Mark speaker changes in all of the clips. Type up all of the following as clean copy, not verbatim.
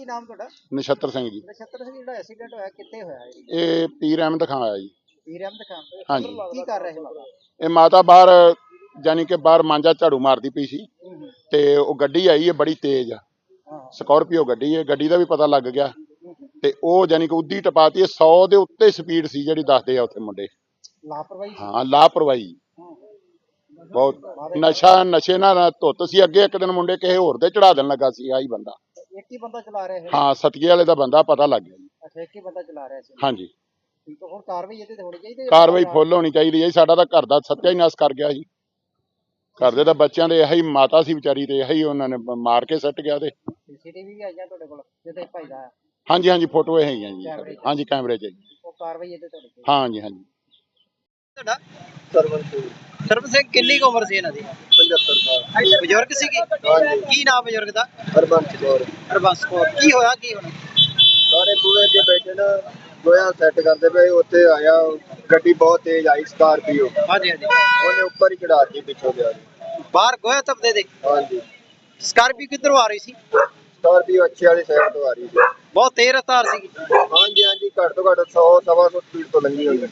Speaker 1: ਕੀ ਨਾਮ ਤੁਹਾਡਾ?
Speaker 2: ਨਛੱਤਰ ਸਿੰਘ ਜੀ।
Speaker 1: ਨਛੱਤਰ ਸਿੰਘ, ਜਿਹੜਾ ਐਕਸੀਡੈਂਟ ਹੋਇਆ ਕਿੱਥੇ ਹੋਇਆ ਜੀ?
Speaker 2: ਇਹ ਪੀਰ ਅਹਿਮਦ ਖਾਂ ਆਇਆ ਜੀ।
Speaker 1: ਪੀਰ ਅਹਿਮਦ ਖਾਨ।
Speaker 2: ਹਾਂਜੀ।
Speaker 1: ਕੀ ਕਰ ਰਹੇ ਸੀ ਮਾਤਾ?
Speaker 2: ਇਹ ਮਾਤਾ ਬਾਹਰ ਜਾਨੀ ਕਿ ਬਾਹਰ ਮਾਂਜਾ ਝਾੜੂ ਮਾਰਦੀ ਪਈ ਸੀ ਤੇ ਉਹ ਗੱਡੀ ਆਈ ਹੈ ਬੜੀ ਤੇਜ਼, ਸਕਾਰਪੀਓ ਗੱਡੀ ਹੈ, ਗੱਡੀ ਦਾ ਵੀ ਪਤਾ ਲੱਗ ਗਿਆ ਤੇ ਉਹ ਜਾਨੀ ਕਿ ਉੱਦੀ ਟਪਾਤੀ। 100 ਦੇ ਉੱਤੇ ਸਪੀਡ ਸੀ ਜਿਹੜੀ ਦੱਸਦੇ ਆ ਉੱਥੇ ਮੁੰਡੇ।
Speaker 1: ਲਾਪਰਵਾਹੀ?
Speaker 2: ਹਾਂ, ਲਾਪਰਵਾਹੀ ਬਹੁਤ। ਨਸ਼ੇ ਨਾਲ ਧੁੱਤ ਸੀ। ਅੱਗੇ ਇੱਕ ਦਿਨ ਮੁੰਡੇ ਕਿਸੇ ਹੋਰ ਦੇ ਚੜਾ ਦੇਣ ਲੱਗਾ ਸੀ ਆਹੀ ਬੰਦਾ।
Speaker 1: ਇੱਕ ਹੀ ਬੰਦਾ ਚਲਾ ਰਿਹਾ ਸੀ?
Speaker 2: ਹਾਂ, ਸਤੀਏ ਵਾਲੇ ਦਾ ਬੰਦਾ ਪਤਾ ਲੱਗ ਗਿਆ ਜੀ।
Speaker 1: ਅੱਛਾ, ਇੱਕ ਹੀ ਬੰਦਾ ਚਲਾ ਰਿਹਾ ਸੀ?
Speaker 2: ਹਾਂਜੀ।
Speaker 1: ਠੀਕ ਹੈ, ਹੁਣ ਕਾਰਵਾਈ ਇਹਦੇ ਤੇ ਹੋਣੀ ਚਾਹੀਦੀ ਹੈ?
Speaker 2: ਕਾਰਵਾਈ ਫੁੱਲ ਹੋਣੀ ਚਾਹੀਦੀ ਹੈ। ਸਾਡਾ ਤਾਂ ਘਰ ਦਾ ਸੱਤਿਆਨਾਸ਼ ਕਰ ਗਿਆ ਜੀ। ਘਰ ਦੇ ਤਾਂ ਬੱਚਿਆਂ ਦੇ ਇਹੀ ਮਾਤਾ ਸੀ ਵਿਚਾਰੀ ਤੇ ਇਹੀ ਉਹਨਾਂ ਨੇ ਮਾਰ ਕੇ ਸੱਟ ਗਿਆ। ਤੇ
Speaker 1: ਸੀਸੀਟੀਵੀ ਵੀ ਆਈਆਂ ਤੁਹਾਡੇ ਕੋਲ ਜਿਹਦੇ ਭਾਈ ਦਾ?
Speaker 2: ਹਾਂਜੀ ਹਾਂਜੀ, ਫੋਟੋ ਇਹ ਹੈਗੀਆਂ ਜੀ। ਹਾਂਜੀ, ਕੈਮਰੇ 'ਚ।
Speaker 1: ਉਹ ਕਾਰਵਾਈ ਇਹਦੇ ਤੇ ਹੋਣੀ ਚਾਹੀਦੀ?
Speaker 2: ਹਾਂਜੀ ਹਾਂਜੀ।
Speaker 1: ਤੁਹਾਡਾ? ਸਰਵਨ ਸਿੰਘ, ਕਿੰਨੀ ਕੁ ਉਮਰ ਸੀ ਇਹਨਾਂ ਦੀ?
Speaker 3: 75 ਸਾਲ।
Speaker 1: ਬਜ਼ੁਰਗ ਸੀਗੇ?
Speaker 3: ਹਾਂਜੀ।
Speaker 1: ਕੀ ਨਾਮ ਬਜ਼ੁਰਗ ਦਾ?
Speaker 3: ਹਰਬੰਸ ਕੌਰ।
Speaker 1: ਹਰਬੰਸ ਕੌਰ। ਕੀ ਹੋਇਆ ਕੀ ਹੁਣ?
Speaker 3: ਸਾਰੇ ਬੂਹੇ ਅੱਗੇ ਬੈਠੇ ਨਾ, ਗੋਇਆ ਸੈੱਟ ਕਰਦੇ ਪਏ, ਉੱਥੇ ਆਇਆ ਗੱਡੀ ਬਹੁਤ ਤੇਜ਼ ਆਈ, ਸਕਾਰਪੀਓ।
Speaker 1: ਹਾਂਜੀ ਹਾਂਜੀ।
Speaker 3: ਉਹਨੇ ਉੱਪਰ ਹੀ ਚੜਾਤੀ ਪਿੱਛੋਂ ਗਿਆ।
Speaker 1: ਬਾਹਰ ਗੋਇਆ ਤਪਦੇ ਦੇ?
Speaker 3: ਹਾਂਜੀ।
Speaker 1: ਸਕਾਰਪੀਓ ਕਿੱਧਰੋਂ ਆ ਰਹੀ ਸੀ?
Speaker 3: ਸਕਾਰਪੀਓ ਅੱਛੇ ਵਾਲੀ ਸਾਈਡ ਤੋਂ ਆ ਰਹੀ ਸੀ।
Speaker 1: ਬਹੁਤ ਤੇਜ਼ ਰਫ਼ਤਾਰ ਸੀਗੀ?
Speaker 3: ਹਾਂਜੀ ਹਾਂਜੀ, ਘੱਟ ਤੋਂ ਘੱਟ 100 ਸਵਾ 100 ਸਪੀਡ ਤੋਂ ਲੰਘੀ ਹੋਈ।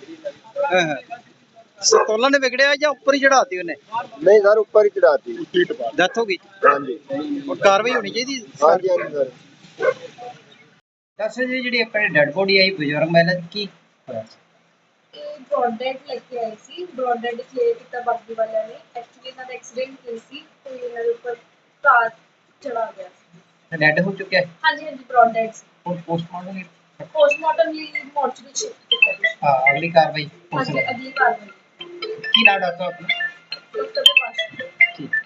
Speaker 1: ਸੰਤੁਲਨ ਨੇ ਵਿਗੜਿਆ ਜਾਂ ਉੱਪਰ ਹੀ ਚੜਾਤੀ ਉਹਨੇ?
Speaker 3: ਨਹੀਂ ਸਰ, ਉੱਪਰ ਹੀ ਚੜਾਤੀ।
Speaker 1: ਡੈਥ ਹੋ ਗਈ?
Speaker 3: ਹਾਂਜੀ।
Speaker 1: ਹੁਣ ਕਾਰਵਾਈ ਹੋਣੀ ਚਾਹੀਦੀ?
Speaker 3: ਹਾਂਜੀ ਹਾਂਜੀ ਸਰ।
Speaker 1: ਦੱਸ ਜੀ, ਜਿਹੜੀ ਆਪਣੀ ਡੈਡ ਬੋਡੀ ਆਈ ਬਜ਼ੁਰਗ ਮਹਿਲਾ ਦੀ, ਕੀ ਹੋਇਆ?
Speaker 4: ब्रॉड डेड लेके आई सी। ब्रॉड डेड क्लियर किया बाकी वाले ने। एक्चुअली इन्हों का एक्सीडेंट हुई सी तो इन्हों के ऊपर कार चढ़ा गया सी।
Speaker 1: ਡੈਡ ਹੋ ਚੁੱਕਿਆ ਹੈ?
Speaker 4: हाँ जी हाँ जी, ब्रॉड डेड सी। पोस्टमार्टम लिए मॉर्चरी शिफ्ट किया गया।
Speaker 1: ਹਾਂ, ਅਗਲੀ ਕਾਰਵਾਈ
Speaker 4: हाँ जी, अगली कार्रवाई
Speaker 1: ਕੀ ਨਾਮ ਡਾਕਟਰ ਆਪਣਾ?
Speaker 4: डॉक्टर के पास।
Speaker 1: ਠੀਕ।